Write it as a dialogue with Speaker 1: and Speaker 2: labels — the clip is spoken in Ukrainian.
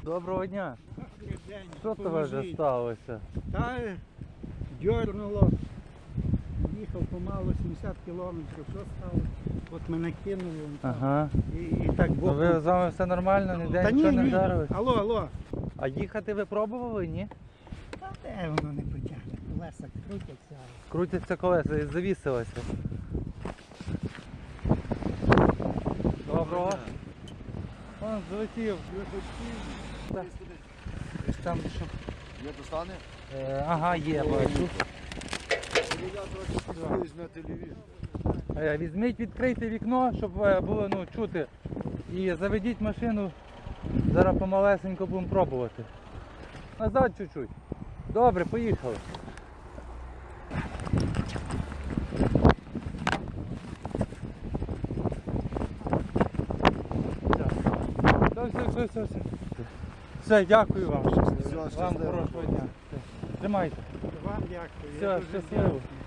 Speaker 1: Доброго дня.
Speaker 2: День,
Speaker 1: Що тебе вже сталося?
Speaker 2: Та дьорнуло, їхав помалу 70 кілометрів, що стало? От мене кинуло
Speaker 1: Ага.
Speaker 2: і так
Speaker 1: Ну,
Speaker 2: боком.
Speaker 1: ви з вами все нормально, ніде
Speaker 2: Та
Speaker 1: нічого
Speaker 2: ні,
Speaker 1: не
Speaker 2: ні.
Speaker 1: вдарилось?
Speaker 2: Алло.
Speaker 1: А їхати ви пробували, ні?
Speaker 2: Та де воно не потягне? Колеса крутяться.
Speaker 1: Крутяться колеса і завісилося. Доброго. Он злетів. Так. Десь там що?
Speaker 3: Є достане?
Speaker 1: Ага, є, бачу.
Speaker 3: На телевізор.
Speaker 1: Візьміть, відкрийте вікно, щоб було чути. І заведіть машину. Зараз помалесенько будемо пробувати. Назад чуть-чуть. Добре, поїхали. Все. Все, дякую вам. Вам хорошого дня. Все. Тримайте.
Speaker 2: Вам дякую.
Speaker 1: Все, щасливо.